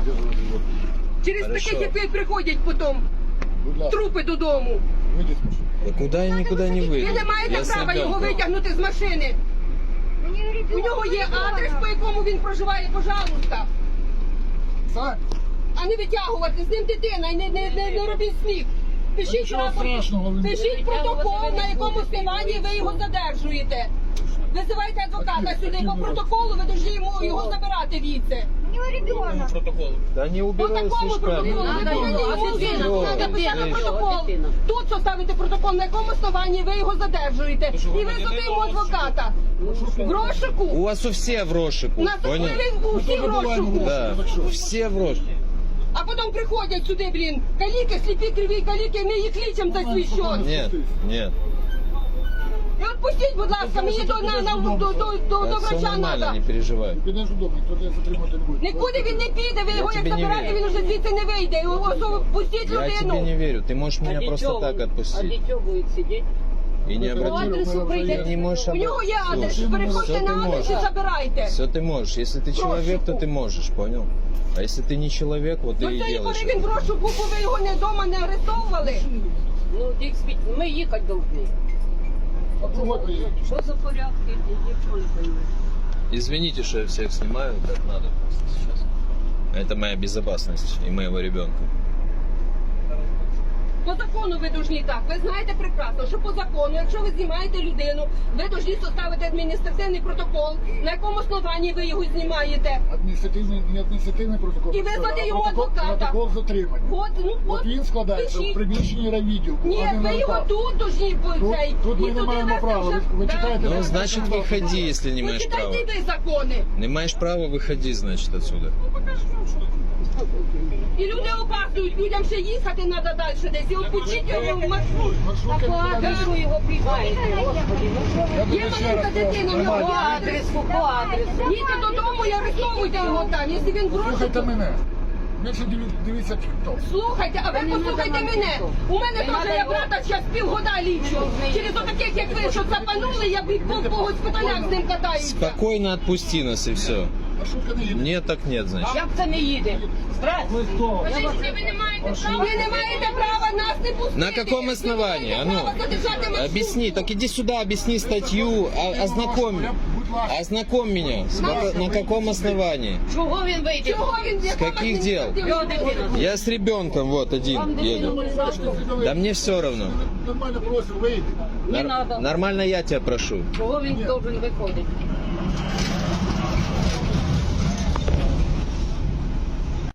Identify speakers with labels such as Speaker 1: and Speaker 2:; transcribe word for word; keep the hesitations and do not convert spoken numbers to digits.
Speaker 1: задерживать его.
Speaker 2: Через
Speaker 3: Хорошо.
Speaker 2: таких, як ви, приходять потім
Speaker 1: Будь ласка,
Speaker 2: трупи додому.
Speaker 1: выйди с машины.
Speaker 3: Да куда я никуда не выйду?
Speaker 2: Ви не маєте
Speaker 3: Я с
Speaker 2: права його
Speaker 3: ребенком.
Speaker 2: витягнути з машини. У нього є адрес, по якому він проживає, пожалуйста.
Speaker 1: Сань,
Speaker 2: А не витягувати, з ним дитина і не, не, не, не робіть сміх. Пишіть,
Speaker 1: нічого
Speaker 2: рапорт,
Speaker 1: страшного, ви-
Speaker 2: пишіть протокол, на якому основанні ви його задержуєте. Визивайте адвоката сюди по протоколу, ви повинні йому його забирати віце.
Speaker 3: Да не
Speaker 2: По
Speaker 3: убираю
Speaker 2: такому протоколу ви
Speaker 3: свечками.
Speaker 2: повинні йому
Speaker 3: дитина?
Speaker 2: написати
Speaker 3: Дитина.
Speaker 2: протокол. Тут составите протокол, на якому основанні ви його задержуєте. І визвати йому адвоката. В розшуку.
Speaker 3: У вас у все в розшику,
Speaker 2: У нас
Speaker 3: понял?
Speaker 2: у всіх в розшуку.
Speaker 3: Да, все в розшику.
Speaker 2: А потім приходять сюди, блін, каліки, сліпі, криві каліки, ми їх лічимо за свій счет.
Speaker 3: Нет, нет.
Speaker 2: І отпустіть, будь ласка, мені до, на, на, до, до, до, до
Speaker 3: Да, все
Speaker 2: врача
Speaker 3: нормально,
Speaker 2: треба.
Speaker 3: не переживай.
Speaker 1: підеш додому, ніхто тебе затримати не буде.
Speaker 2: Нікуди він не піде, ви
Speaker 3: Я
Speaker 2: його як
Speaker 3: тобі не
Speaker 2: забирати,
Speaker 3: вірю.
Speaker 2: він вже звідси не вийде. Його ось пустіть
Speaker 3: Я тебе не
Speaker 2: людину.
Speaker 3: верю. Ты можешь меня
Speaker 4: А
Speaker 3: просто
Speaker 4: дитё
Speaker 3: так
Speaker 4: вы- А
Speaker 3: отпустить.
Speaker 4: дитё будет сидеть?
Speaker 3: И не
Speaker 1: По
Speaker 3: обратить.
Speaker 1: адресу
Speaker 3: Ты не можешь
Speaker 2: У нього є адрес,
Speaker 3: Слушай,
Speaker 2: переходьте
Speaker 3: все
Speaker 2: на
Speaker 3: ты
Speaker 2: адрес і
Speaker 3: можешь.
Speaker 2: забирайте.
Speaker 3: Все ты можешь. Если ты человек, то ты можешь, понял? А если ты не человек, вот ты
Speaker 2: До
Speaker 3: и
Speaker 2: цієї
Speaker 3: делаешь.
Speaker 2: пори він в розшуку, бо ви його не вдома не арестовували.
Speaker 4: Ну, действительно, мы ехать должны.
Speaker 1: А другой приедет.
Speaker 4: Что за порядки? Ничего не понимаю.
Speaker 3: Извините, что я всех снимаю, как надо просто сейчас. Это моя безопасность и моего ребенка.
Speaker 2: По закону ви должні так. Ви знаєте прекрасно, що по закону, якщо ви знімаєте людину, ви должні составити адміністративний протокол, на якому основанні ви його знімаєте.
Speaker 1: Адміністративний, не адміністративний протокол.
Speaker 2: І визвати
Speaker 1: а
Speaker 2: йому
Speaker 1: протокол-
Speaker 2: адвоката.
Speaker 1: Протокол затримання.
Speaker 2: От, ну,
Speaker 1: От
Speaker 2: от,
Speaker 1: він складається в
Speaker 2: пишіть.
Speaker 1: приміщенні райвідділку,
Speaker 2: Ні,
Speaker 1: а не на
Speaker 2: ви його
Speaker 1: руках.
Speaker 2: тут должні
Speaker 1: Тут-
Speaker 2: цей.
Speaker 1: тут ми
Speaker 2: і
Speaker 1: не
Speaker 2: туди
Speaker 1: маємо
Speaker 2: вести
Speaker 1: права.
Speaker 2: вже.
Speaker 1: Ви- ви
Speaker 2: Да.
Speaker 1: читаєте
Speaker 3: Ну,
Speaker 1: Так,
Speaker 3: значит,
Speaker 1: так, так.
Speaker 3: выходи, если не имеешь права.
Speaker 2: Почитайте й закони.
Speaker 3: Не имеешь права, выходи, значит, отсюда.
Speaker 2: І люди опаздують, людям ще їхати треба далі десь. І от почіть його в маршрут.
Speaker 1: Маршрутка
Speaker 4: По
Speaker 1: не
Speaker 4: адресу его прибавите, господи. Ну что вы?
Speaker 1: Я тобі
Speaker 2: Є
Speaker 1: ще
Speaker 2: маленька
Speaker 1: раз
Speaker 2: дитина, в
Speaker 1: кажу,
Speaker 2: нього
Speaker 4: По
Speaker 1: нормально.
Speaker 2: адрес.
Speaker 4: адресу, по адресу.
Speaker 2: Їдьте додому і арестовуйте його там, якщо він в
Speaker 1: Слухайте
Speaker 2: розшуку.
Speaker 1: мене. Менше диві- дивіться тік-ток.
Speaker 2: Слухайте, а ви
Speaker 4: Та не
Speaker 2: послухайте
Speaker 4: надо нам
Speaker 2: мене.
Speaker 4: ніхто.
Speaker 2: У мене
Speaker 4: Не
Speaker 2: теж
Speaker 4: надо
Speaker 2: я
Speaker 4: його.
Speaker 2: брата зараз півгода лічу. Через отаких, як ви, що запанули, я б по когось питаннях з ним катаюся.
Speaker 3: Спокойно отпусти нас и все.
Speaker 1: Маршрутка не їде.
Speaker 3: Нет, так нет, значит.
Speaker 4: Як це не їде? Здрасте.
Speaker 2: Ви не маєте права, ви не маєте права нас не пустити.
Speaker 3: На каком
Speaker 2: Ви
Speaker 3: основании?
Speaker 2: не
Speaker 3: А
Speaker 2: маєте
Speaker 3: ну,
Speaker 2: права задержати маршрутку.
Speaker 3: объясни, так иди сюда, объясни статью, а- ознакомь,
Speaker 1: Будь ласка.
Speaker 3: ознакомь меня. С ка- На каком основании?
Speaker 4: Чого він вийде?
Speaker 2: Чого він
Speaker 3: С каких дел?
Speaker 4: Його дитина.
Speaker 3: Я с ребенком вот один еду. Да мне все равно.
Speaker 1: Нормально просив, вийди.
Speaker 4: Не
Speaker 3: Нар-
Speaker 4: надо.
Speaker 3: Нормально я тебя прошу.
Speaker 4: Чого він должен виходити?